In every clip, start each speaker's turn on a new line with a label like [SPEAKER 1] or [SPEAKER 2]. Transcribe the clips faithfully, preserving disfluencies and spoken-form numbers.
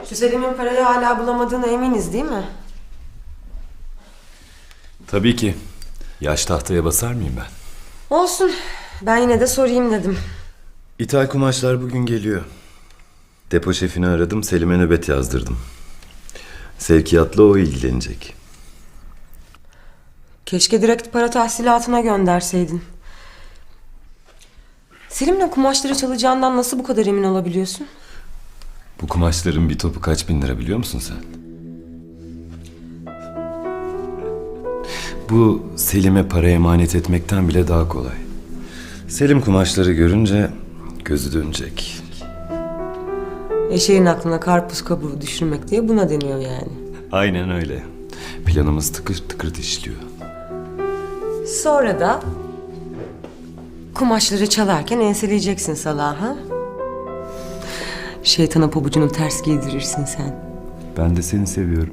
[SPEAKER 1] Şu Selim'in parayı hala bulamadığına eminiz değil mi?
[SPEAKER 2] Tabii ki. Yaş tahtaya basar mıyım ben?
[SPEAKER 1] Olsun. Ben yine de sorayım dedim.
[SPEAKER 2] İthal kumaşlar bugün geliyor. Depo şefini aradım, Selim'e nöbet yazdırdım. Sevkiyatla o ilgilenecek.
[SPEAKER 1] Keşke direkt para tahsilatına gönderseydin. Selim'le kumaşları çalacağından nasıl bu kadar emin olabiliyorsun?
[SPEAKER 2] Bu kumaşların bir topu kaç bin lira biliyor musun sen? Bu Selim'e para emanet etmekten bile daha kolay. Selim kumaşları görünce gözü dönecek.
[SPEAKER 1] Eşeğin aklına karpuz kabuğu düşürmek diye buna deniyor yani.
[SPEAKER 2] Aynen öyle. Planımız tıkır tıkır işliyor.
[SPEAKER 1] Sonra da kumaşları çalarken enseleyeceksin salağı ha? Şeytana pabucunu ters giydirirsin sen.
[SPEAKER 2] Ben de seni seviyorum.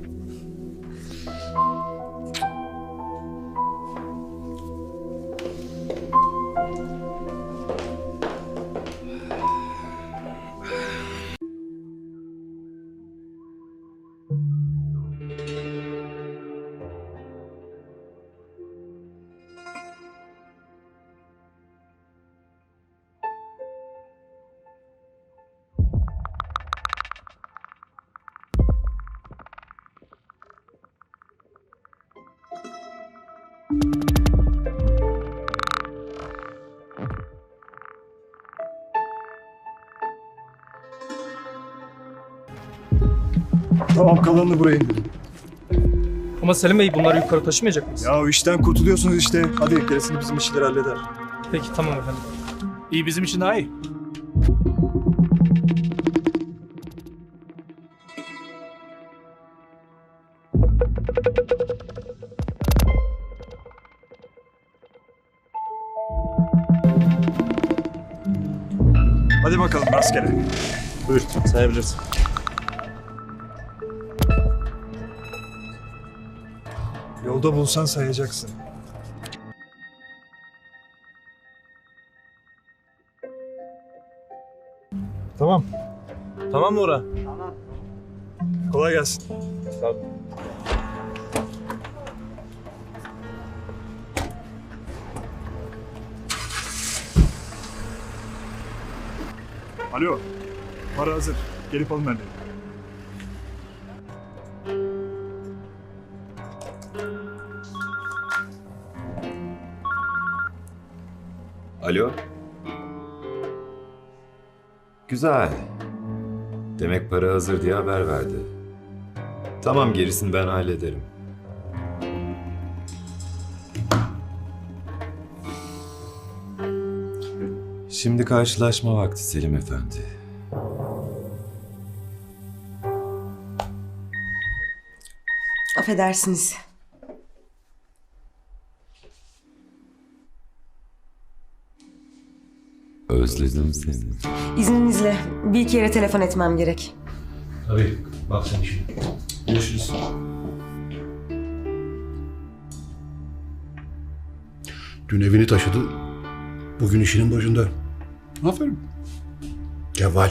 [SPEAKER 3] Tamam, kalanını buraya indirin.
[SPEAKER 4] Ama Selim Bey bunları yukarı taşımayacak mıyız?
[SPEAKER 3] Ya o işten kurtuluyorsunuz işte. Hadi gerisini bizim işçiler halleder.
[SPEAKER 4] Peki tamam efendim.
[SPEAKER 5] İyi, bizim için daha iyi.
[SPEAKER 3] Hadi bakalım rastgele.
[SPEAKER 5] Buyur, sayabilirsin.
[SPEAKER 3] Yolda bulsan sayacaksın. Tamam.
[SPEAKER 5] Tamam mı Uğra?
[SPEAKER 3] Kolay gelsin.
[SPEAKER 5] Sağ ol.
[SPEAKER 3] Alo. Para hazır. Gelip alın benden.
[SPEAKER 2] Alo. Güzel. Demek para hazır diye haber verdi. Tamam, gerisini ben hallederim. Şimdi karşılaşma vakti Selim Efendi.
[SPEAKER 1] Affedersiniz.
[SPEAKER 2] Özledim seni.
[SPEAKER 1] İzninizle bir iki yere telefon etmem gerek.
[SPEAKER 5] Tabii, bak sen işine. Görüşürüz.
[SPEAKER 6] Dün evini taşıdı, bugün işinin başında. Aferin. Cevval.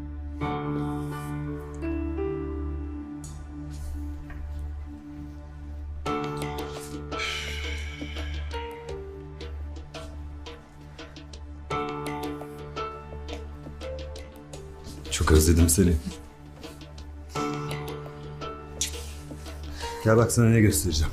[SPEAKER 2] Çok özledim seni. Gel bak, sana ne göstereceğim.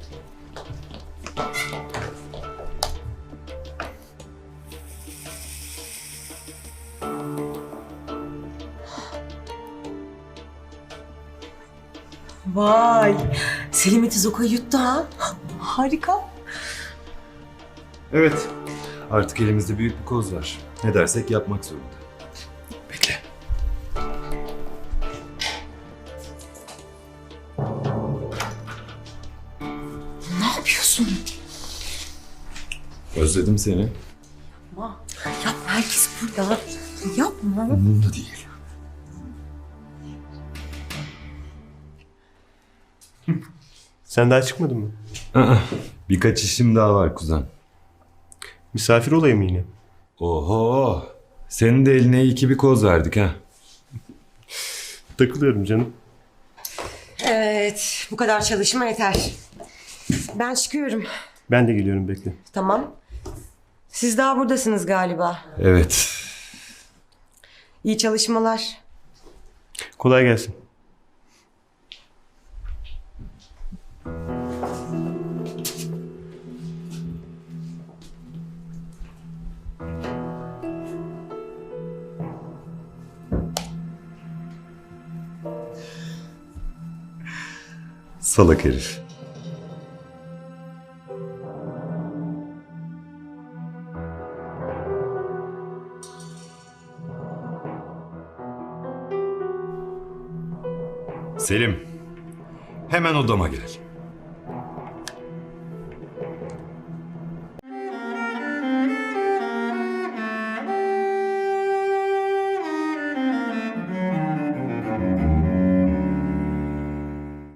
[SPEAKER 1] Vay! Selim Itizoka'yı yuttu ha. Harika.
[SPEAKER 2] Evet. Artık elimizde büyük bir koz var. Ne dersek yapmak zorunda. Bekle.
[SPEAKER 1] Ne yapıyorsun?
[SPEAKER 2] Özledim seni.
[SPEAKER 1] Yapma. Yapma, herkes burada. Yapma.
[SPEAKER 2] Umurumda değil.
[SPEAKER 7] Sen daha çıkmadın mı?
[SPEAKER 2] Aa, birkaç işim daha var kuzen.
[SPEAKER 7] Misafir olayım yine.
[SPEAKER 2] Oho! Senin de eline iyi ki bir koz verdik ha.
[SPEAKER 7] Takılıyorum canım.
[SPEAKER 1] Evet, bu kadar çalışma yeter. Ben çıkıyorum.
[SPEAKER 7] Ben de geliyorum, bekle.
[SPEAKER 1] Tamam. Siz daha buradasınız galiba.
[SPEAKER 2] Evet.
[SPEAKER 1] İyi çalışmalar.
[SPEAKER 7] Kolay gelsin.
[SPEAKER 2] Salak herif. Selim, hemen odama gel.